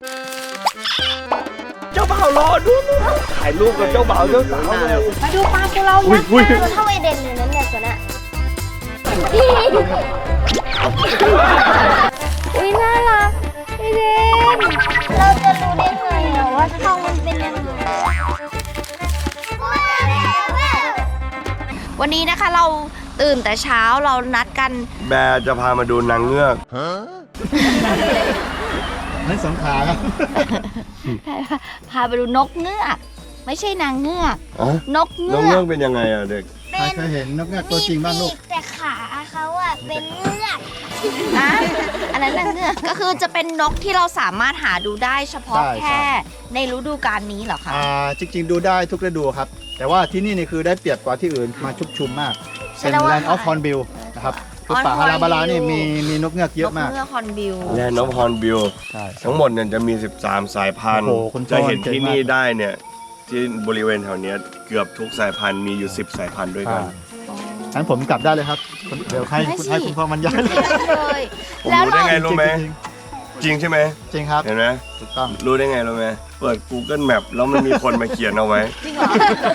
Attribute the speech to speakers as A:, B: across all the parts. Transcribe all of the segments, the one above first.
A: เจ้าบ่าวรอดูถ่ายรูปกับเจ้าบ่าวเจ้าสาวเลย
B: มาดูปลาของเรายักษ์ตัวเท่าไอเด่นเลยนั่นเนี่ยตัวน่ะอุ้ยน่ารักไอเด่นเราจะรู้ได้ไงอะว่าช่องมันเป็นยังไงวันนี้นะคะเราตื่นแต่เช้าเรานัดกัน
A: แบร์จะพามาดูนางเงือก
C: นั่นสงขลาครับ
B: พาไปดูนกเงือกไม่ใช่นางเงือกนกเงื
A: นก
B: อ
A: เงือก กเป็นยังไงอะเด็ก
C: ใครเคยเห็นนกเงือกตัวจริงบ้างลูก
B: แต่ขาเขาอะเป็นเงือกนะอันนั้นนางเงือกก็คือจะเป็นนกที่เราสามารถหาดูได้เฉพาะแค่ในฤดูกาลนี้เหรอคะ
C: จริงๆดูได้ทุกฤดูครับ แต่ว่าที่นี่คือได้เปรียบกว่าที่อื่นมาชุกชุมมาก เป็นแลนด์ออฟฮอนบิลนะครับคือป่าฮาราบารานี่มีนกเงือกเยอะมาก
B: นกเงือกฮอนบิล
A: แลนด์ออฟฮอนบิล
C: ใช่
A: ทั้งหมดเนี่ยจะมี 13 สายพันธุ์
C: โอ้โหคุณพ่อ
A: จะเห็นที่นี่
C: เก่งมาก
A: ได้เนี่ยที่บริเวณแถวเนี้ยเกือบทุกสายพันธุ์มีอยู่ 10 สายพันธุ์ด้วยกัน
C: งั้นผมกลับได้เลยครับ เดี๋ยวให้คุณพ่อมันย้ายเลย
B: เลย
A: ผม
B: แล้ว
A: รู้ได้
B: เรา
A: ไงรู้ไหม
C: จริง
A: จริงใช่ไหม
C: จริงครับ
A: เห็นไหม
C: ถูกต้อง
A: รู้ได้ไงรู้ไหมเปิด Google Map แล้วมันมีคนมาเขียนเอาไว้
B: จริงเหรอ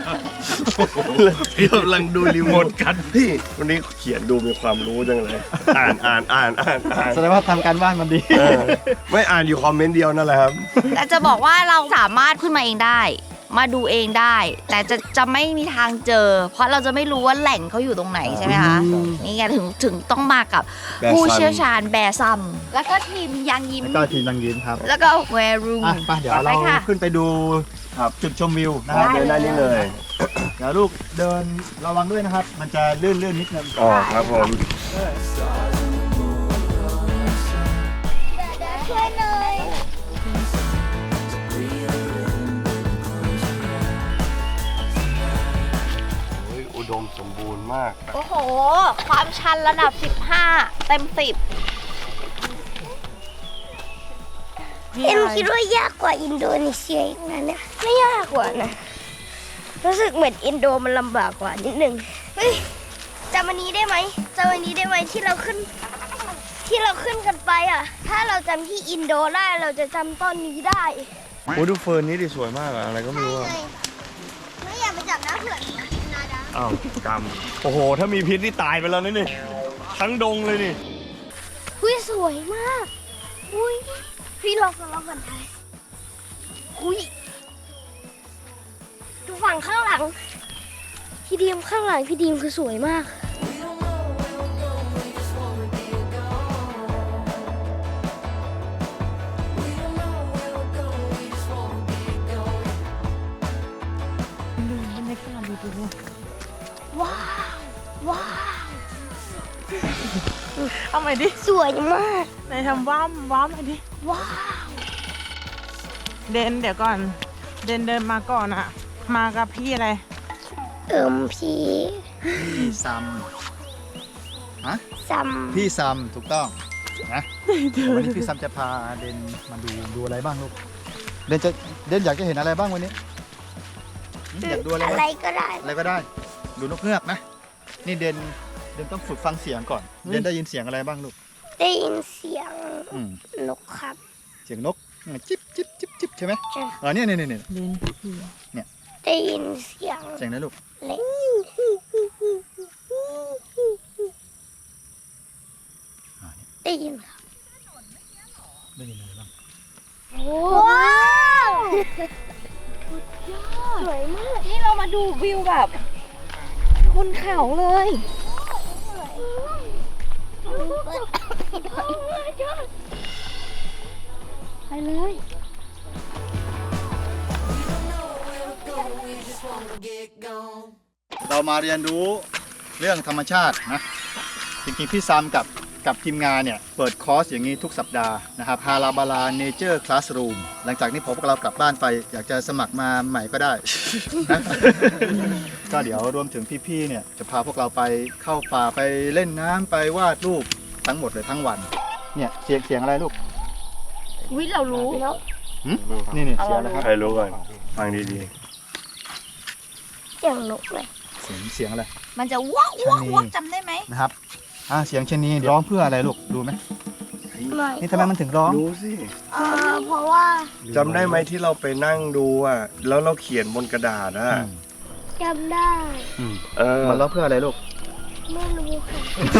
A: กำลังดูรีโมทกันพี่วันนี้เขียนดูมีความรู้จังเลย อ่าน
C: แสดงว่าทำการบ้านมันดี
A: ไม่อ่านอยู่คอมเมนต์เดียวนั่นแหละครับ
B: แต่จะบอกว่าเราสามารถขึ้นมาเองได้ มาดูเองได้ แต่จะไม่มีทางเจอ เพราะเราจะไม่รู้ว่าแหล่งเขาอยู่ตรงไหนใช่ไหมคะนี่ไงถึงต้องมากับ
A: แบร์ซัม
B: ผู้เชี่ยวชาญแบร์ซัมแล้วก็ทีมยังยิ้ม
C: แล้วก็ทีมนางยิ้มครับ
B: แล้วก็แวรูม
C: ไปเดี๋ยวเรา
B: ค่ะ
C: ขึ้นไปดู
A: ครับ
C: จุดชมวิวนะครับ
A: เดินได้นี่เลย
C: เดี๋ยวลูกเดินระวังด้วยนะครับ มันจะลื่นนิดนึง
A: อ๋อครับผม
B: ช่วยเลย
A: อุดมสมบูรณ์มาก
B: โอ้โห ความชันระดับ 15 เต็ม 10
D: เอ็มคิดว่ายากกว่าอินโดนีเซียอีกนะเนี่ยไม่ยากกว่านะรู้สึกเหมือนอินโดมันลำบากกว่านิดนึงเฮ้ยจำอันนี้ได้ไหมจำอันนี้ได้ไหมที่เราขึ้นกันไปอ่ะ ถ้าเราจำที่อินโดได้เราจะจำต้นนี้ได้
A: โอ้ดูเฟิร์นนี่ดิสวยมากอะอะไรก็ไม่รู้อะ
D: ไม่อยากไปจับน้ำเถื่อนนาดา
A: อ้าวกรรมโอ้โห ถ้ามีพิษนี่ตายไปแล้วนี่ทั้งดงเลยนี่
D: อุ้ยสวยมากอุ้ยพี่ลองกันไทยอุ้ยดูฝั่งข้างหลังพี่ดีมข้างหลังพี่ดีมคือสวยมากว้าวว้าว
E: เอาใหม่ดิ
D: สวยมาก
E: ไหนทำว้ามใหม่ดิ
D: ว้าว
E: เดี๋ยวก่อน เดินมาก่อนอะมากับพี่อะไร
D: พี่
C: พี่ซัมฮะ
D: ซัม
C: พี่ซัมถูกต้องนะวันนี้พี่ซัมจะพาเดนมาดูอะไรบ้างลูกเดนอยากจะเห็นอะไรบ้างวันนี้อยากดูอะไร
D: อะไร
C: บ้าง
D: ก็ได้
C: อะไรก็ได้ ดูนกเงือกนะนี่เดนต้องฝึกฟังเสียงก่อนเดนได้ยินเสียงอะไรบ้างลูก
D: ได้ยินเสียง
C: อืม
D: นกครับ
C: เสียงนกจิ๊บจิ๊บจิ๊บจิ๊บใช่ไหม
D: ใช่
C: เนี่ย
D: ได้ยินเสียง
C: เสียงนะลูก
D: เล็ก ได้ยินครับ
C: ได้ยินอะไรบ้าง
D: ว้าวสวยมาก
B: นี่เรามาดูวิวแบบบนเขาเลย ไปเลย
C: เรามาเรียนรู้เรื่องธรรมชาตินะจริงๆพี่ซัมกับทีมงานเนี่ยเปิดคอร์สอย่างนี้ทุกสัปดาห์นะครับฮาราบาลาเนเจอร์คลาสรูมหลังจากนี้พวกเรากลับบ้านไป อยากจะสมัครมาใหม่ก็ได้ นะ ก็เดี๋ยวรวมถึงพี่ๆเนี่ยจะพาพวกเราไปเข้าป่าไปเล่นน้ำไปวาดรูปทั้งหมดเลยทั้งวันเนี่ยเสียงอะไรลูก
B: วิเรารู้
C: หึนี่เสียงอะไรครับ
A: ใครรู้ก่อนฟังดี
D: เสียงนกเลย
C: เสียงอะไร
B: มันจะวักจำได้ไหม
C: นะครับเสียงชะนีร้องเพื่ออะไรลูกดูไหม
D: ไม่
C: นี่ทำไมมันถึงร้อง
A: ๆรู้สิ
D: เพราะว่า
A: จำได้ไหมที่เราไปนั่งดูอ่ะแล้วเราเขียนบนกระดาษอ่ะ
D: จำได้
C: มันร้องเพื่ออะไรลูก
D: ไม่รู้ค่ะ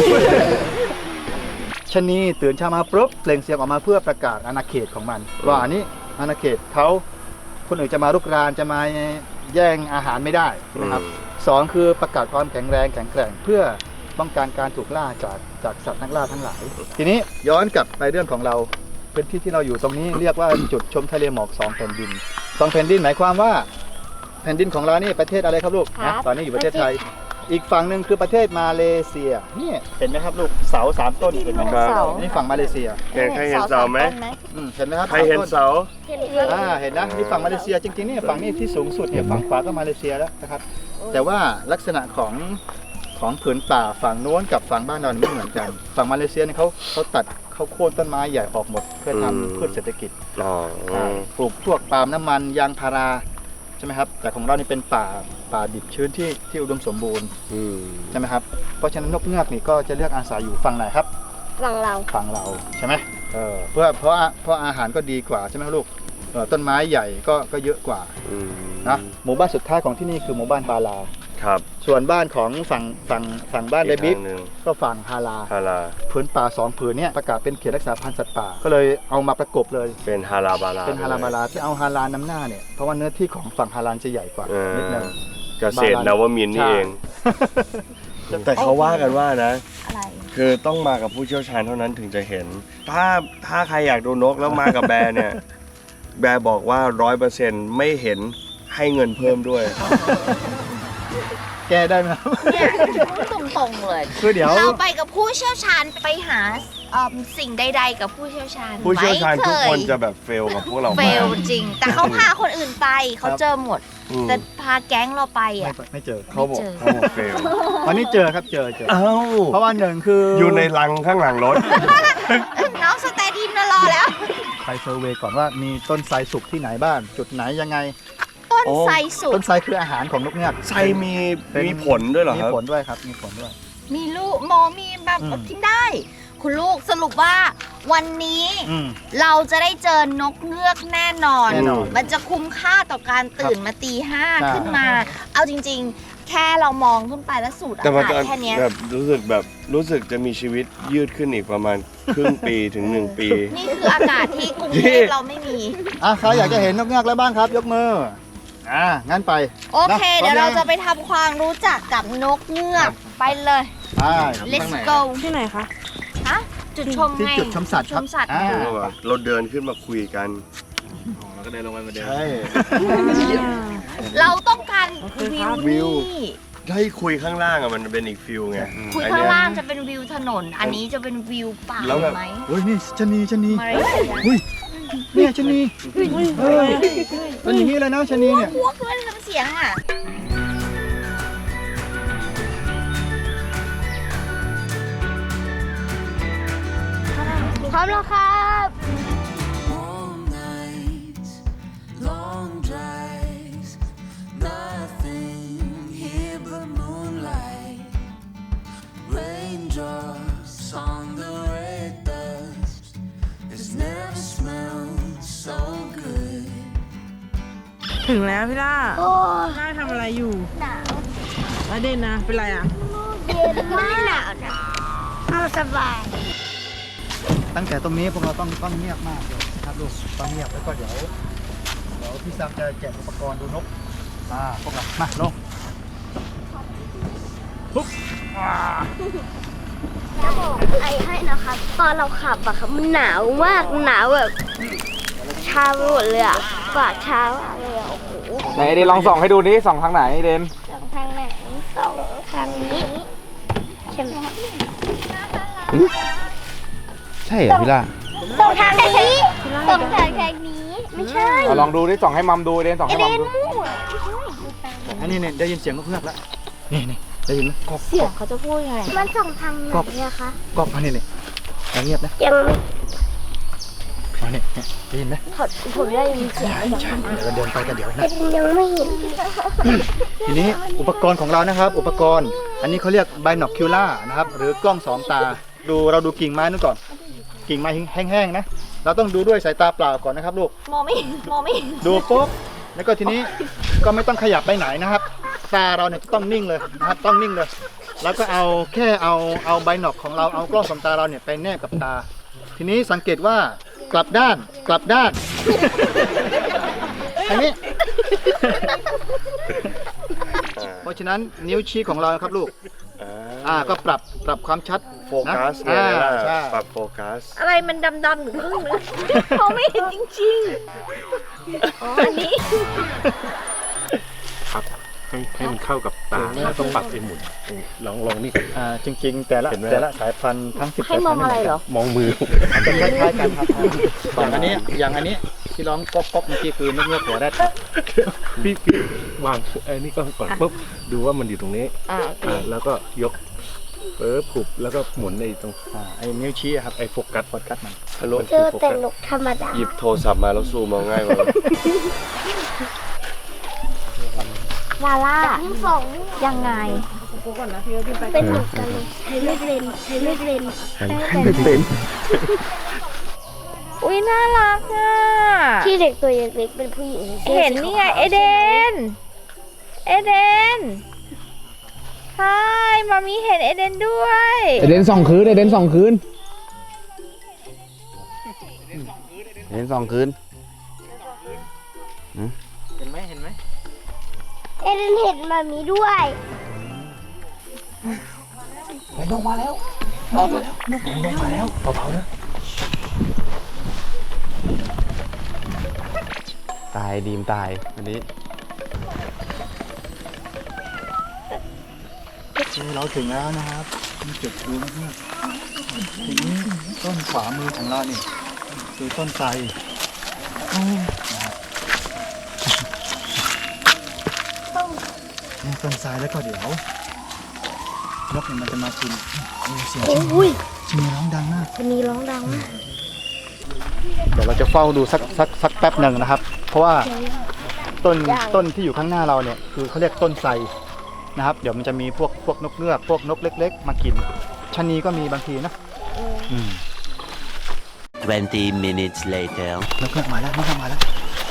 C: ชะนีตื่นเช้ามาปุ๊บเปล่งเสียงออกมาเพื่อประกาศอาณาเขตของมัน ว่าอันนี้อาณาเขตเขาคนอื่นจะมารุกรานจะมาแย่งอาหารไม่ได้นะครับสองคือประกาศความแข็งแรงแข็งแกร่งเพื่อป้องกันการถูกล่าจากสัตว์นักล่าทั้งหลาย ทีนี้ย้อนกลับไปเรื่องของเราพื้นที่ที่เราอยู่ตรงนี้เรียกว่าจุดชมทะเลหมอก2 แผ่นดิน2 แผ่นดินหมายความว่าแผ่นดินของเรานี่ประเทศอะไรครับลูกนะตอนนี้อยู่ประเทศไทย อีกฝั่งหนึ่งคือประเทศมาเลเซียนี่เห็นไหมครับลูกเสา3 ต้นเห็นไหมครับนี่ฝั่งมาเลเซีย
A: ใครเห็นเสาไหม
C: เห็นไหมครับ
A: ใครเห็นเสา
D: เห็นค่ะ
C: เห็นนะนี่ฝั่งมาเลเซียจริงๆนี่ฝั่งนี้ที่สูงสุดเนี่ยฝั่งขวาก็มาเลเซียแล้วนะครับแต่ว่าลักษณะของผืนป่าฝั่งโน้นกับฝั่งบ้านเราไม่เหมือนกันฝั่งมาเลเซียเนี่ยเขาตัดเขาโค่นต้นไม้ใหญ่ออกหมดเพื่อทำพืชเศรษฐกิจ ปลูกพวกปาล์มน้ำมันยางพาราใช่ไหมครับแต่ของเรานี่เป็นป่าดิบชื้นที่อุดมสมบูรณ์ใช่ไหมครับเพราะฉะนั้นนกเงือกนี่ก็จะเลือกอาศัยอยู่ฝั่งไหนครับ
D: ฝั่งเรา
C: ฝั่งเราใช่ไหมเพราะอาหารก็ดีกว่าใช่ไหมลูกต้นไม้ใหญ่ก็เยอะกว่านะหมู่บ้านสุดท้ายของที่นี่คือหมู่บ้านบาลา
A: ครับ
C: ส่วนบ้านของฝั่งบ้านเดบิกก็ฝั่งฮาลาผืนป่า2 ผืนเนี่ยประกาศเป็นเขตรักษาพันธุ์สัตว์ป่าก็เลยเอามาประกบเลย
A: เป็นฮาราบาลา
C: เป็นฮาลาบาลาที่เอาฮาลานำหน้าเนี่ยเพราะว่าเนื้อที่ของฝั่งฮาลานจะใหญ่กว่านิดนึง
A: เกษตรนวมินทร์นี่เอง แต่เขาว่ากันว่านะ
B: อะไร
A: คือต้องมากับผู้เชี่ยวชาญเท่านั้นถึงจะเห็น ถ้าใครอยากดูนกแล้วมากับแบร์เนี่ย แบร์บอกว่า 100% ไม่เห็นให้เงินเพิ่มด้วย
C: แก้ได้ไหมครับ
B: เนี่ยพูดตรงๆเลย
C: คือเดี๋ยว
B: เราไปกับผู้เชี่ยวชาญไปหาสิ่งใดๆกับผู้เชี่ยวชาญ
A: ผู้เชี่ยวชาญทุกคน
B: ไม่เย
A: จะแบบเฟลกับพวกเรา
B: เฟ
A: มาก
B: ลจริง แต่เขาพาคนอื่นไปเขาเจอหมด แต่พาแก๊งเราไปอ่ะ
C: ไม่เจอ
A: เขาบอกเฟล
C: วันนี้เจอครับเจอ
A: เอ้า
C: เพราะว่าหนึ่งคืออ
A: อยู่ในรังข้างหลังรถ
B: น้องสแตดีมมารอแล้ว
C: ไปเซอร์เวย์ก่อนว่ามีต้นไทรสุกที่ไหนบ้างจุดไหนยังไง
B: ต้นไทรสุ
C: ต้
B: ก
C: นไทรคืออาหารของนกเงือก
A: ไทรมีผลด้วยเหรอ
C: มี
A: ครับ
C: ผลด้วยครับมีผลด้วย
B: มีลูกหมอมีแบบกินได้ คุณลูกสรุปว่าวันนี้เราจะได้เจอนกเงือกแน่นอน
C: แน่นอน
B: มันจะคุ้มค่าต่อการตื่นมาตี
C: ใช่
B: 5ขึ้นมา เอาจริงๆ แค่เรามองขึ้นไปแล้วสูดอา
A: แต่มัน
B: กาศ
A: ก็
B: แค่เนี้ย
A: แบบรู้สึกจะมีชีวิตยืดขึ้นอีกประมาณครึ่งปีถึง 1 ปี
B: นี่คืออากาศที่กรุงเทพเราไม่มี
C: ใครอยากจะเห็นนกเงือกแล้วบ้างครับยกมืองั้นไป
B: โอเค
C: นะ
B: เดี๋ยวเรา
C: พร้อมยัง
B: จะไปทำความรู้จักกับนกเงือกไปเลย let's go
E: ที่ไหนคะ
B: ฮะจุดชม
C: ที่
B: ไง
C: จุดชมสัตว์ครับ
B: ชมสัตว์
A: เราเดินขึ้นมาคุยกัน
C: ใช่
B: เราต้องการวิว
A: วิว
B: นี่
A: ให้คุยข้างล่างอะมันเป็นอีกฟิลไง
B: คุย
A: อัน
B: ข้าง
A: เนี้ย
B: ล่างจะเป็นวิวถนน อันนี้จะเป็นวิวป่า
A: แล้วแบบ
B: ไหม
C: เฮ้ยนี่ชะนี
B: มาเลเซีย
C: เนี่ยชะนีเป็นอย่างนี้เลยนะชะนีเนี่ย
B: พวกด้วยทำเสียงอ่ะ
D: พร้อมแล้วครับ
F: Warm nights, long drives, nothing here but moonlight. Raindrops on the red dust. It's never smelled so good.
E: ถึงแล้วพี่ล่า
D: โอ้
E: ล่าทำอะไรอยู่
D: หนาว
E: แล้วเด่นนะ เป็นไรอ่ะ
D: เย็นมากหนาวนะเอาสบาย
C: ตั้งแต่ตรงนี้พวกเราต้องเงียบมากเลยครับลูกต้องเงียบแล้วก็เดี๋ยวพี่ซัมจะแจกอุปกรณ์ดูนกพวกเรามาลงปุ๊บ
D: จะบอกไอ้ให้นะครับ ตอนเราขับอะครับมันหนาวมากหนาวแบบชาไปหมดเลยอะปากชามากเลยอะโอ้โห
G: ไหนเดนลองส่องให้ดูนี่ส่องทางไหนเดน
D: สองทางไหนสองทางนี้ใช่ไหม
G: ใช่เหรอพี่ล่า
D: สองทางนี้สองทางนี้ไม่ใช่
G: เอาลองดูดิส่องให้มัมดูเดนส่องให้มัมดู
C: อันนี้เนี่ยได้ยินเสียงนกเงือกแล้วนี่ได้ยินไหมกอก
B: เสียงเขาจะพูดยังไง
D: มันสองทางไหนอะคะ
C: กอกอันนี้เงียบนะ
D: ยัง
C: อันนี้ได้ยินไหม
D: ผมได้ยินเสียง
C: เดี๋ยวเราเดินไปกันเดี๋ยวนะ
D: ยังไม่เห็น
C: ทีนี้อุปกรณ์ของเรานะครับ อุปกรณ์อันนี้เขาเรียก binocular นะครับหรือกล้องสองตาเราดูกิ่งไม้นู่นก่อนกิ่งไม้แห้งๆนะเราต้องดูด้วยสายตาเปล่าก่อนนะครับลูก
B: มองไม่เห็นมองไม่เห็น
C: ดูปุ๊บแล้วก็ทีนี้ก็ไม่ต้องขยับไปไหนนะครับ ตาเราเนี่ยต้องนิ่งเลยนะครับต้องนิ่งเลย แล้วก็เอาแค่เอาไบน็อกของเราเอากล้องส่องตาเราเนี่ยไปแนบกับตา ทีนี้สังเกตว่ากลับด้านอันนี้ เพราะฉะนั้นนิ้วชี้ของเรานะครับลูกก็ปรับความชัด
A: โฟกัส
C: นะ
A: เนี่ยนะ
C: ใช่
A: ปรับโฟกัส
B: อะไรมันดำๆอยู่ครึ่งนึงมองไม่เห็นจริงๆอ๋ออันนี้
H: ให้มันเข้ากับตาแล้วต้องปรับให้หมุนลองนี่
C: จริงๆ แต่ละสายพันธุ์ทั้ง10
B: ให้มองอะไรเหรอ
H: มองมือ
C: จะคล้ายๆกันครับอย่างอันนี้ที่ร้องก๊อกเมื่อกี้คือนกเงือกหัวแรด
H: พี่วางไอ้นี่ก็ก่อนปุ๊บดูว่ามันอยู่ตรงนี้แล้วก็ยกปุบแล้วก็หมุนในตรง
C: ไอ้นิ้วชี้อะครับไอ้โฟกัสมัน
A: ฮัลโหล
D: เจอแต่นกธรรมดา
A: หยิบโทรศัพท์มาแล้วซูมเอาง่ายกว่า
B: ลาล่า
D: นิ้วสอง
B: ยังไง
D: เป็นเหมือนกันเลยใช้ไม่เป็น
B: อุ้ยน่ารักอ่ะ
D: ที่เด็กตัวเล็กๆเป็นผู้หญิง
B: เห็นนี่ไงเอเดนใช่มามีเห็นเอเดนด้วย
G: เอเดน2 คืนเอเดน2 คืนเอเดน2 คืน
E: เห็นไหม
D: เอเดนเห็นมามีด้วย
G: ตายดีมตายอันนี้
C: เราถึงแล้วนะครับมีจุดดูมากๆทีนี้ต้นขวามือของเรานี่คือต้นไทรนี่ต้นไทรแล้วก็เดี๋ยวนกเนี่ยมันจะมากินเสียง
D: อุ้ย
C: ชิมีร้องดังมาก
D: คนนี้ร้องดังมาก
C: เดี๋ยวเราจะเฝ้าดูสักแป๊บหนึ่งนะครับ เพราะว่าต้นที่อยู่ข้างหน้าเราเนี่ยคือเขาเรียกต้นไทรนะครับ เดี๋ยวมันจะมีพวกนกเงือกพวกนกเล็กๆมากินชะนีก็มีบางทีนะ
F: 20 minutes later.
C: นกเงือกมาแล้ว
D: ไหนอะ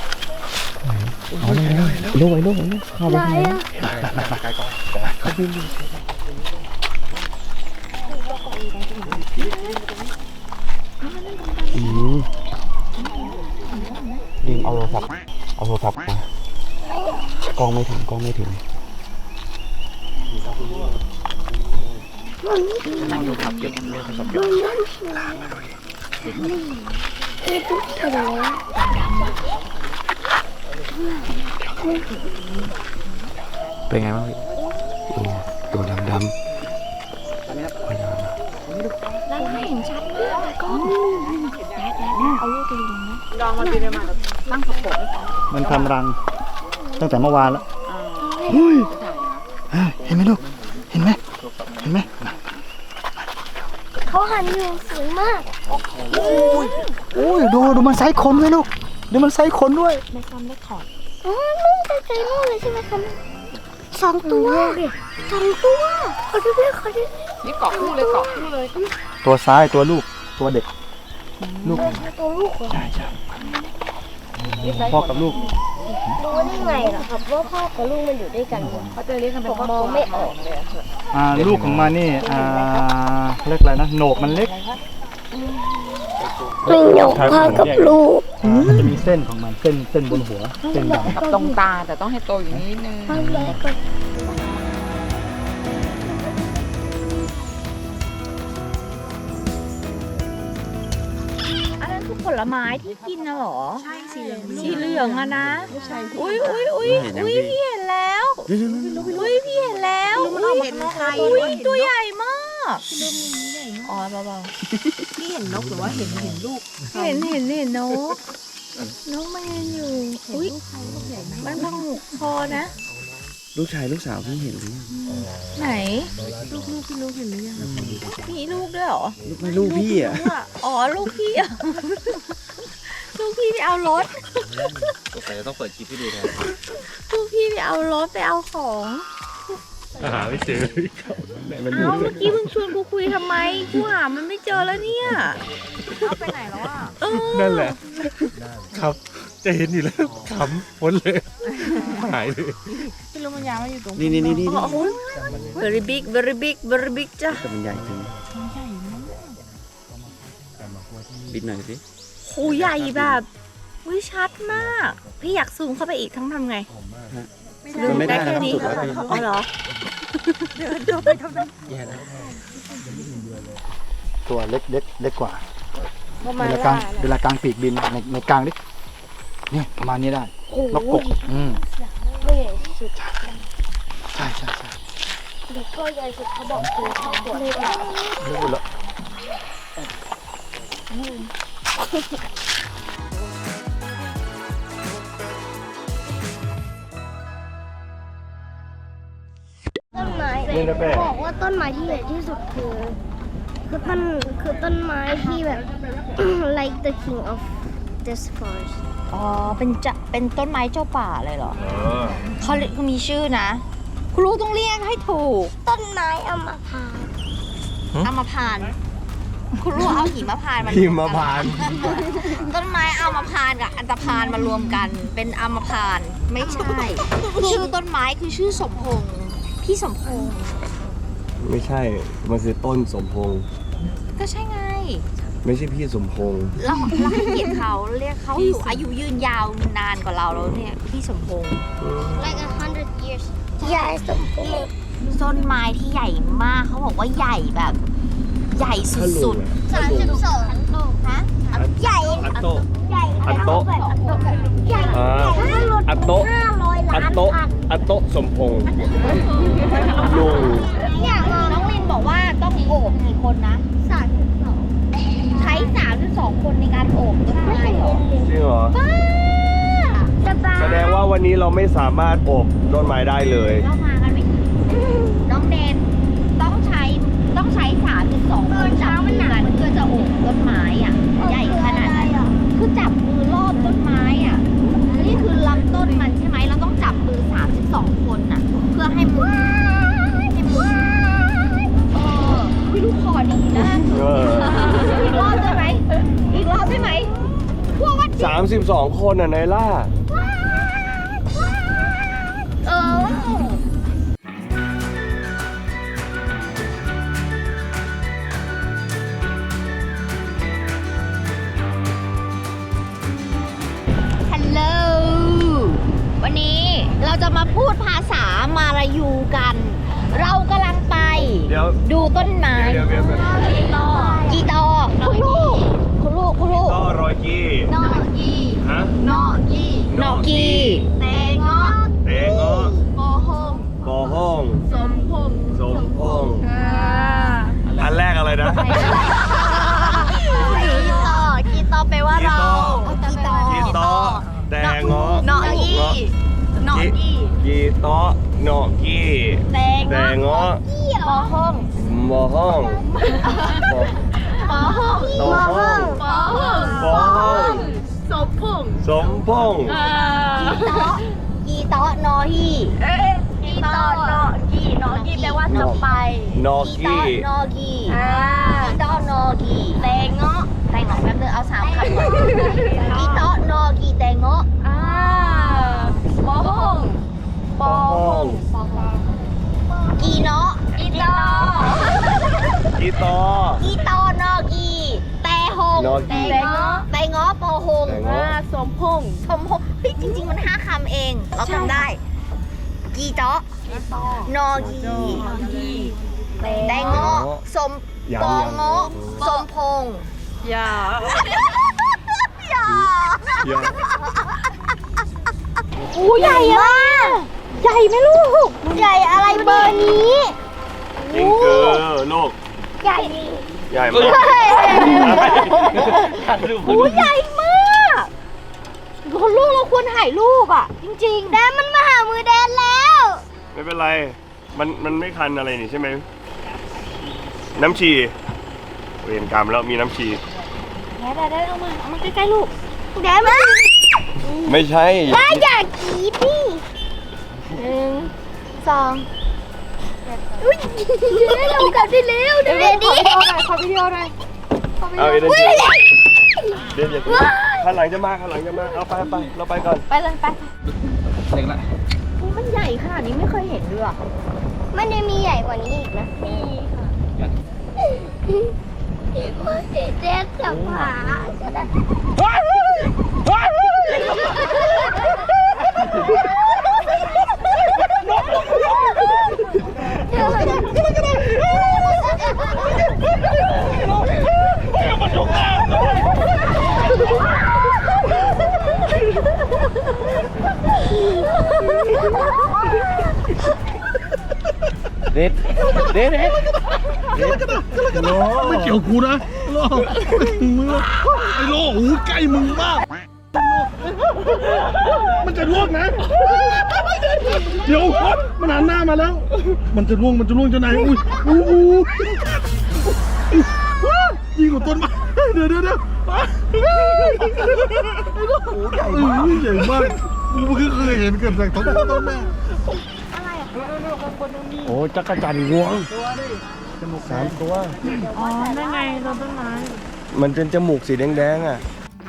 G: ดีมเอาโทรศัพท์มากล้องไม่ถึง เป็นไงบ้างพี่ตัวดำ
B: แล้วไม่เห็นชัดมากเลยก็เอาลูกไปดูนะ
E: ลองมาดีเลยมาตั้งขอบผม
C: มันทำรังตั้งแต่เมื่อวานแล้วอุ้ยเห็นไหมลูกเห็นไหม
D: เขาหันอยู่สวยมาก
C: โอ้ยดูมันไซส์ขนด้วยลูกดูมันไซส์ขนด้วย
B: ในความได้ขอด
D: อ๋อนู่นไกลๆนู่นเลยใช่ไหมคะ2 ตัวเขาดูด้วย
E: นี่เกาะคู่เลย
C: ตัวซ้ายตัวลูกตัวเด็กลูก
D: ตัวลูกเหรอ
C: พ่อกับลูก
D: รู้ได้ไงเหรอครับว่าพ่อกับลูกมันอยู่ด้วยกันเนี่ย
E: เขาจะเรียกกันเป็น
D: ผมมองไม่ออก
C: ลูกของมันนี่เล็กอะไรนะโหนกมันเล็ก
D: ไม่หยกพ่อกับลูก
C: มันจะมีเส้นของมันเส้นบนหัวเส้นดำ
E: ตรงตาแต่ต้องให้โตอย่างนี้นึง
D: พ่อแม่ก็
B: อันนั้นคือผลไม้ที่กินนะหรอ ใช่สีเหลืองอะนะอุ้ยพี่เห็นแล้วอุ้ยพี่เห็นแล้วอุ้ยตัวใหญ่มากอ๋อเบาๆพี่เห็นนกหรือว่าเห็นลูกเห็นนกมันยืนอยู่อุ้ยมันพังหุกคอนะ
G: ลูกชายลูกสาวพี่เห็นหรือยัง
B: ไหนลูกพี่ลูกเห็นหรือยังมีลูกด้วยเหรอ
G: ลูกพี่อ่ะ
B: อ๋อลูกพี่อ่ะ ลูกพี่ไปเอารถ
A: แต่ต้องเปิดคลิปให้ดูแทน
B: ลูกพี่ไปเอารถไปเอาของ
H: หาไม่เจอ
B: เอ้าเมื่อกี้มึงชวนกูคุยทำไมกูหามันไม่เจอแล้วเนี่ยเอาไปไหนแล้วอ่ะ
H: นั่นแหละ ครับ จะเห็นอยู่แล้วขำพ้นเลย หายเลย
E: ไม่รู้มันยาวมันอยู่ตรง
G: นี่นี่นี่นี่
B: very big very big very big จ้ะ
G: แต่มันใหญ่จริงบิดหน่อยสิ
B: โหใหญ่แบบวิชัดมาก พี่อยากซูมเข้าไปอีกทั้งทำไง
G: มันไม่ได้
B: แค่
G: นะครับ
B: นี้
G: สุดแล้วพี่
B: อ๋อเหรอ
C: ตัวเล็กกว่า
B: ประมาณ
C: เวลากลางปีกบินในกลางดิเนี่ยประมาณนี้ได้นกกก
D: ไม่ใหญ่สุด
C: ใช่
D: เด็กก็ใหญ่สุดเขาบอกคือเท่าตัวเลย
C: รู้แล้ว
D: ต้นไม้
A: นี่นะแป้
D: บอกว่าต้นไม้ที่ใหญ่ที่สุดคือต้นไม้ที่แบบ like the king of this forest
B: อ๋อ เป็นต้นไม้เจ้าป่าเลยเหรอ เขามีชื่อนะ คุณลูกต้องเรียกให้ถูก
D: ต้นไม้อัมพาต
B: อัมพานต์คุณลูกเอาหิมพานต์มา
A: หิมพานต์
B: ต้นไม้อัมพานต์กับอันตพานต์มารวมกัน เป็นอัมพานต์ไม่ใช่ ชื่อต้นไม้คือชื่อสมพงษ์พี่สมพงษ์
A: ไม่ใช่ มันคือต้นสมพงษ์
B: ก็ใช่ไง
A: ไม่ใช่พี่สมพงษ์
B: เราให้เกียรติเขาเรียกเขาอยู่อายุยืนยาวนานกว่าเราแล้วเนี่ยพี่สมพงษ์
D: like 100 years ใหญ่สมบูรณ์
B: ต้นไม้ที่ใหญ่มากเขาบอกว่าใหญ่แบบ ใหญ่สุด
D: 32ฮะใหญ่
H: อัตโต
D: ใหญ่
H: อัตโต
D: ใหญ่
H: อัตโต
D: 500
H: อั
D: ล้า
H: ต
D: น
H: โต
D: อัน
H: อัตโตสมพงษ์ลุง
D: อยากลอง
B: ๆน้องลินบอกว่าต้องโอบกี่คนนะ
D: 32
B: ใช้32คนในการโอบต้นไม้เหรอ
A: จริงเหรอ
D: สบาย
A: แสดงว่าวันนี้เราไม่สามารถโอบต้นไม้ได้เลย
B: เรามากันไม่ถึงน้องเดนต้องใช้32คนจับมือกันเพื่อจะโอบต้นไม้อ่ะใหญ่ขนาดนั้นคือจับมือรอบต้นไม้อ่ะนี่คือลำต้นมันใช่ไหมเราต้องจับมือ32คนน่ะเพื่อให้มือพี่ลูกคอดีนะ
A: เออ
B: อีกรอบได้ไหมอีกรอบได้ไหมพวกว่า
A: 32 คนอ่ะนายล่า
B: เออฮัลโหลวันนี้เราจะมาพูดภาษามาลายูกัน เรากำลังไป
A: เดี๋ยว
B: ดูต้นไม้
A: เดี๋ยว
B: กีตอคุณลูก
A: ก็รอยกี้
B: นอกี
A: ฮะ
B: นอกีแตงเงาะ
A: เตงอ้อ
B: โอโฮม
A: กอห้อง
B: สมพงษ์
A: สมพงษ์อันแรกอะไรนะ
B: กีตอแปลว่าเรากีตอ
A: กีตอแตงอ้อน
B: อกีนอกี
A: กีตอหนอกี้
B: แตง
A: แตงอ้อ
B: โอโฮม
A: มอห้อง
B: โอโฮม
A: ตอห้อง
B: โอโฮม
A: ปอห้อง
B: สมพงษ์
A: สมพงษ์
B: กีตอนอฮีกีตอนอกีแปลว่าจะไป
A: นอ
B: กี
A: กี้
B: ตอนอกีกีตอนอกีแตงเงาะแป๊บนึงเอา3 คำก่อนกีตอนอกีแตงเงาะปอห้องปอห้องกีเนาะกีตอ
A: กีตอ
B: กีตอนอกีแตหง
A: นอกี
B: แตงเงาะปอหง
A: แตงเงาะ
B: สมพงษ์เฮ้ยจริงๆมัน5 คำเองเราจำได้ กีเจาะนอกีแตงเงาะสมปองเงาะสมพงษ์อย่า
A: อย่า
B: อู้ใหญ่มากใหญ่ไหมลูก
D: ใหญ่อะไรเบอร์นี้
A: จิงเกอร์ลูก
D: ใหญ่
A: ใหญ่มาก
B: อู้ใหญ่มากคุณลูกเราควรถ่ายรูปอ่ะ จริงๆ
D: แดนมันมาหามือแดนแล้ว
A: ไม่เป็นไร มันไม่คันอะไรนี่ใช่ไหม น้ำชีเวรกรรมแล้วมีน้ำชี
B: ได้เอามาใกล้ๆลูก
D: แดนมัน
A: ไม่ใช่
D: ได้อยากกรีดดิ1 2อุ้ยเรากลับได้แล้วเดี๋ยวดิ
B: ขอวิดีโอหน่อย
A: เอาอีกทีเดี๋ยวอย่าข้างหลังจะมาเอาไปเราไปก่อน
B: ไปเลยไป
H: เล็กละ
B: อุ๊ยมันใหญ่ขนาดนี้ไม่เคยเห็นด้วยอะ
D: มันจะมีใหญ่กว่านี้อีกนะมีค่ะเด็กกับหมา
G: เด็ด
H: ไม่เกี่ยวกูนะโลมึงไอ้โลหูใกล้มึงมาก มันจะล่วงนะ เดี๋ยวมันหันหน้ามาแล้ว มันจะล่วงเจ้านายอุ้ยยิงกับต้นไม้เดี๋ยวใหญ่มากกูเพิ่งเคยเห็นเกิดจากต้นแม่
A: โอ้จักรจันทร์งวง3 ตัว
E: อ๋อ นั่นไงเราต้นไม้
A: มันเป็นจมูกสีแดงๆอ่ะ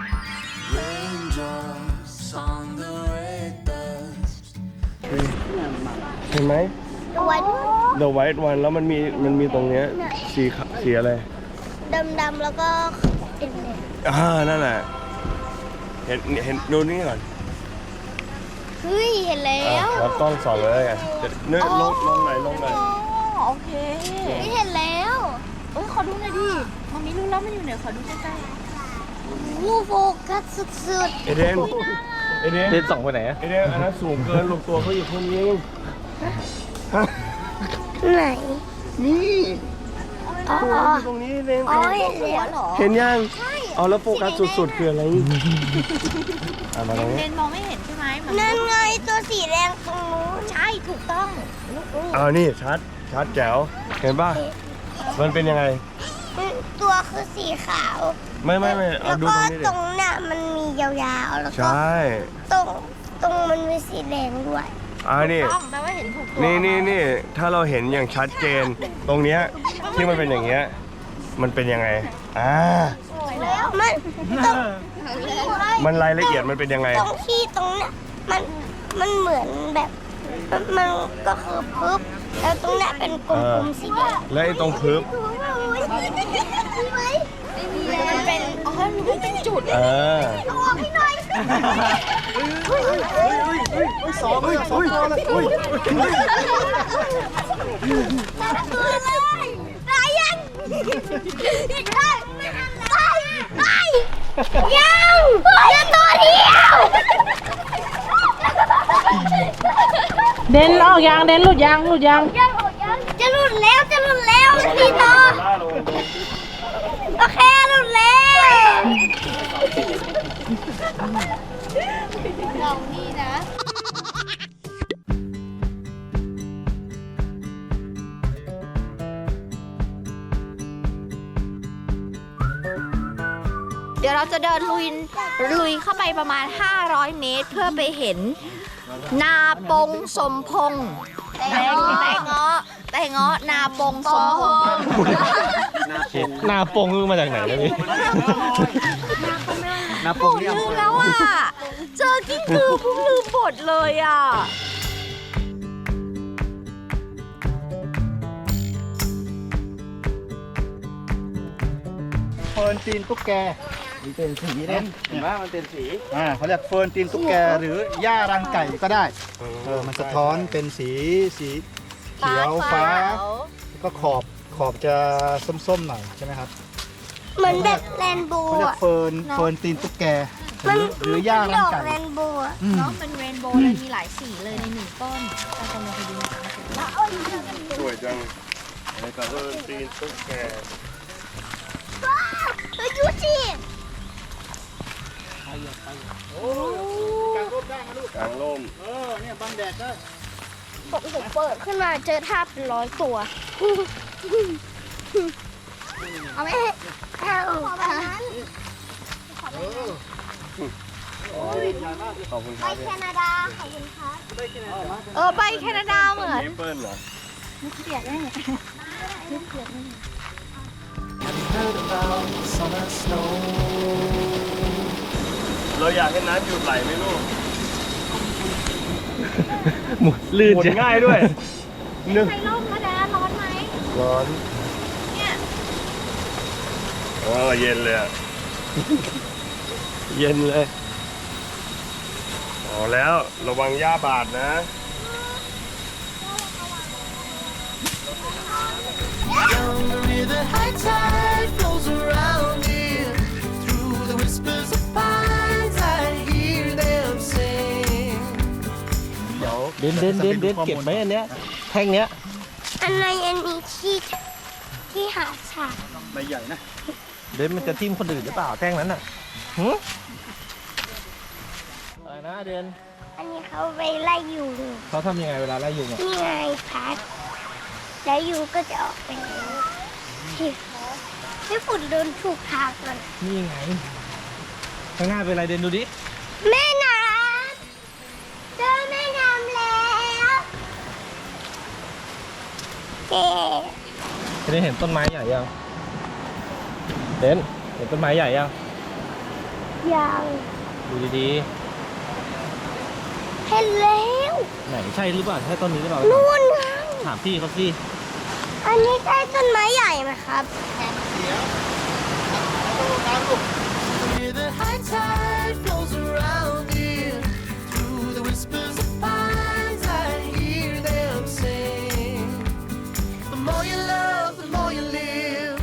F: Raindrops on the red dust.
A: เห็นไหม
D: ตัว
A: The White One แล้วมันมีตรงเนี้ยสีอะไร
D: ดำๆแล้วก็เป็นแดง
A: นั่นแหละ เห็นดูนี่ก่อน
D: เฮ้ยเห็นแล้
A: แล้วกล้องส่องเลยอ่ะเนี่ยลงไหน
B: อ๋อโอเค
D: ไม่เห็นแล้ว
B: ขอดูหน่อยดิมันมีรู้แล้วมันอยู่ไหนขอดูใกล้
D: วูโฟกัสสุด
A: เอเดน
G: เด็ด2ไปไหนอะ
A: เอเดนอันนั้นสูงเกินลงตัวเขาอยู่คนนี้
D: ๆไหน
A: นี่
D: อ๋อ
A: อยู่ตรงนี้เอง
D: อ๋อเห็นแล้ว
B: ๆเหรอ
A: เห็นยังเอาแล้วโฟกัสสุดๆคืออะไรมาตรงนี้
B: เลนมองไม่เห็นใช่ไหมมัน
D: นั่นไงตัวสีแดงตรงนู้น
B: ใช่ถูกต้อง
A: นี่ชัดแจ๋วเห็นป่ะมันเป็นยังไง
D: ตัวคือสีขาว
A: ไม่เอา
D: แล้ว
A: ดู
D: ก็
A: ตรงนี้ดิ
D: ตรงน่ะมันมียาวๆแล้ว
A: ใช
D: ก็
A: ่
D: ตรงมันมีสีแดงด้วย
A: นี่
B: ต้องแปลว่าเห็นถูกตัว
A: นี่ถ้าเราเห็นอย่างชัดเจน ตรงเนี้ยที่มันเป็นอย่างเงี้ยมันเป็นยังไง
D: มันตรง
A: มันรายละเอียดมันเป็นยังไง
D: ตรงที่ตรงน่ะมันเหมือนแบบมันก็คือปึ๊บแล้วตรงน่ะเป็นกลมๆสีแดง
A: และไอ้ตรงพึบ
D: มีไหมไม่มีแล้วมันเป็น
B: มันเป็นจุด
A: เออ
D: เอาออกให้หน่อย
C: สองตัวเลย
D: ตัวเลยตายยังอีกได้ไปยังเหลือตัวเดียว
E: เด่นออกยางเด่นหลุดยาง
D: จะหลุดแล้วพี่ต่อโอเคหลุดแล้วเรานี่นะ
B: เดี๋ยวเราจะเดินลุยเข้าไปประมาณ 500 เมตร เพื่อไปเห็นนาปงสมพงษ์แต่เงาะนาปงสมพงษ์
G: หน้าปงมาจากไหนนะพี่
B: โอ้ลืมแล้วอ่ะ เจอกิ้งกือพุ่งลืมบทเลยอ่ะ
C: เฟิร์นตีนตุ๊กแก
G: มันเป็นสีเนี่ยเห็นไหมมันเป็นสี
C: เขาเรียกเฟิร์นตีนตุ๊กแกหรือหญ้ารังไก่ก็ได้มันสะท้อนเป็นสีเขียวฟ้าแล้วก็ขอบจะส้มๆหน่อยใช่ไหมครับ
D: เหมือนแบบแรนโบ
C: เขา
D: ว์
C: เรียก
D: อะ
C: เฟิร์นตีนตุ๊กแกหรือหญ้ารั
D: ด
C: ง
D: อก
C: ไก่
D: แรนโบว์อะ
B: เนาะเป็นเรนโบว์เลยมีหลายสีเลยในหนึ่งต้นเราจะมาดู
A: สวยจังแล้วก็ตีนตุ๊กแก
D: เฮ้ยดูสิ
A: กลางร่ม
C: เนี่ยบังแดดได้
D: ผมเปิดขึ้นมาเจอท่าเป็น100 ตัว เอาไหมเอาแบบนั้น
A: ขอบคุณค
D: ไป
A: รับ
D: แคนาดาขอบคุณครับ
B: ไปแคนาดาเหมือน
A: เมเปิ้ลเหรอ
F: Heard about summer snow.
A: เราอยากให้น้ำหยุดไหลไหมลูก
H: หมุนลื่น
A: หมุน
H: จ้ะ
A: ง่ายด้วยนึก
B: ใครร่มก็ได้ร้อนไหม
A: ร้อน
B: เนี่ย
A: เย็นเลยอะ
H: เย็นเลย
A: อ๋อแล้วระวังหญ้าบาดนะ
F: Down the high tide flows around here. Through the whispers of pines, I hear them sing.
C: เดี๋ยว
H: เด่นเก็บไหมอันเนี้ยแท่งเนี้ย
D: อันในอันนี้ที่หาฉาก
C: ใบใหญ่นะ
H: เด่นมันจะทิ่มคนอื่นหรือเปล่าแท่งนั้นอ่ะหือะไรนะเด่น
D: อันนี้เขาไปไล่ยุง
H: เขาทำยังไงเวลาไล่ยุงอ่ะ
D: นี่ไงพัดแล้วยุงก็จะออกไปแล้วพี่ฝุ่นเดินถูกทางก่อน
H: นี่ไงข้างหน้าเป็นอะไรเด่นดูดิ
D: แม่น้ำเจอแม่น้ำแล้วเอ๊ะ
H: เด่นเห็นต้นไม้ใหญ่ยังเด่นเห็นต้นไม้ใหญ่ยัง
D: ยัง
H: ดูดี
D: เห็นแล้ว
H: ๆไหนใช่หรือเปล่าใช่ต้นนี้หรือเปล่า
D: นู่นไง
H: ถามพี่เขาสิ
D: อันนี้ใช่ต้นไม้ใหญ่ไหมครับ
F: Where the high tide flows around here. Through the whispers of pines, I hear them sing. The more you love, the more you live.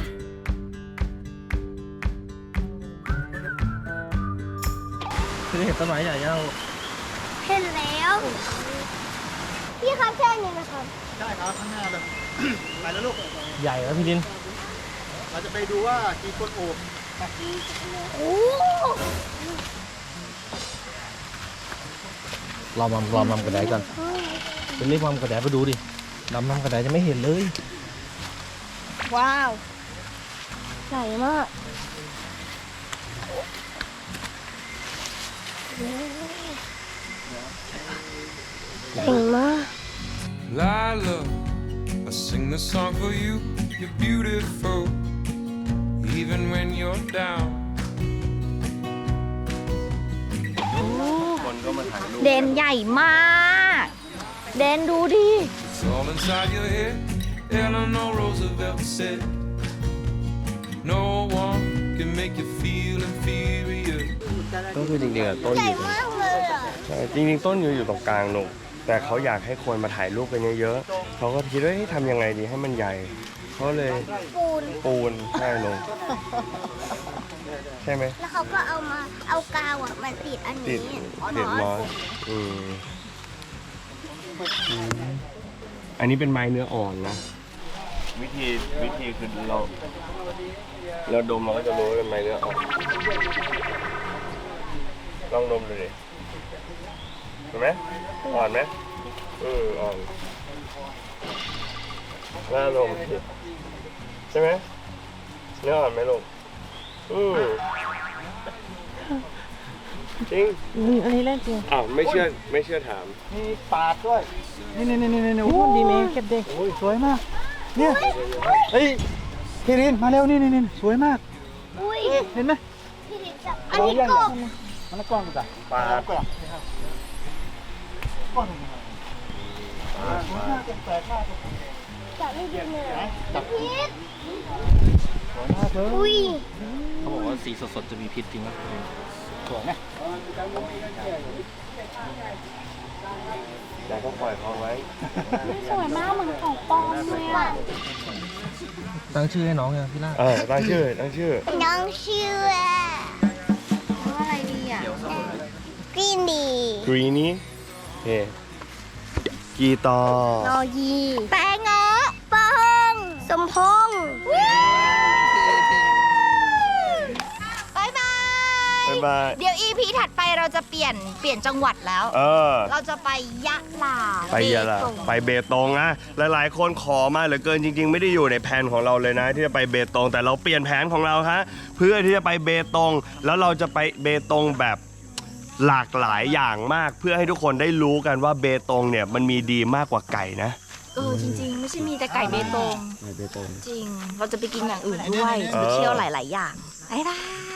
H: พี่ได้เห็นต้นไม้ใหญ่ยัง
D: เห็นแล้วพี่ครับใช่นี่ไหมครับ
C: ใช่ครับข้างหน้าเลย ไปแล้วลูก
H: ใหญ่แล้วพี่ดิน
C: เราจะไปดูว่ากี่คนโอบ
D: โอ้
H: รอมัมกระไดก่อนเป็นเรียกมัมกระไดไปดูดิมัมกระไดจะไม่เห็นเลย
D: ว้าวใหญ่มากเก่งมาก
F: Lila, I sing this song for you. You're beautiful, even when you're down.
A: คนก็มาถ่ายรูป
B: เดนใหญ่มาก เดนดูดิ
F: It's all inside your head. Eleanor Roosevelt said, "No one can make you feel inferior."
A: ก็คือจริงๆอะต้น
D: ให
A: อ
D: ญ่
A: ยู่
D: มากเลยอ่ะ
A: ใช่จริงๆต้นอยู่ตรงกลางหนุกแต่เขาอยากให้คนมาถ่ายรูปกันเยอะๆเขาก็คิดว่าทำยังไงดีให้มันใหญ่เขาเลย
D: ปูน
A: ใช่ลงใช่ไหม
D: แล้วเขาก็เอากาวอ่ะมาติดอัน
A: ติ
D: นี้
A: ดมอสอันนี้เป็นไม้เนื้ออ่อนนะ วิธีคือเราดมเราก็จะรู้ว่าเป็นไม้เนื้ออ่อนลองดมดูดิเห็นไหมอ่อนไหมอ่อนน่าดมสิใช่ไหมเนื้ออ่อนไหมลูกจริง
E: อันนี้เล่นจริง
A: อ้าวไม่เชื่อถาม
C: มีปาดด้วย นี่
E: โอ้ดีเมย์เก็บเด็ก
C: โอ้ยสวยมาก เนี่ย เฮ้ยเครินมาเร็วนี่สวยมาก
D: อุ้ย
C: เห็นไหม
D: พี่ดิจับอันนี้กบ
C: มันละก้อนกูจ้ะ
A: ปาด
C: ก้อนก้อนสวยมากแปลกมาก
D: จับไม่ดีเลย
C: จับ
D: พิษ
C: สวยมากเลย
D: อุ้ย
H: เขาบอกว่าสีสดๆจะมีพิษจริงไหม
C: สวยไหม
A: แต่ก็ปล่อยเขาไว้
B: สวยมากเหมือนของปลอมเลยอ่ะ
H: ตั้งชื่อให้น้องยังพี่ล่า
A: ตั้งชื่อ
D: น้องชื่อ
B: อะไรดีอ่ะ
D: กรีนดี
A: กรีนี่เฮ้กีตอร์
D: นอยีแปงเงาะปอง สมพงษ์บายบาย
A: บ๊ายบาย
B: เดี๋ยว EP ถัดไปเราจะเปลี่ยนจังหวัดแล้ว เราจะไปยะลา
A: ไปยะลา
B: เบตง
A: ไปเบตงนะหลายๆคนขอมาเหลือเกินจริง ๆ ไม่ได้อยู่ในแผนของเราเลยนะ ที่จะไปเบตงแต่เราเปลี่ยนแผนของเราฮะเพื่อที่จะไปเบตงแล้วเราจะไปเบตงแบบหลากหลายอย่างมาก เพื่อให้ทุกคนได้รู้กันว่าเบตงเนี่ยมันมีดีมากกว่าไก่นะ
B: จริงๆ ไม่ใช่มีแต่ไก่เบตง
A: เบตง
B: จริง เราจะไปกินอย่างอื่นด้วย
A: เออ
B: ไปเที่ยวหลาย ๆ อย่างบ๊ายบาย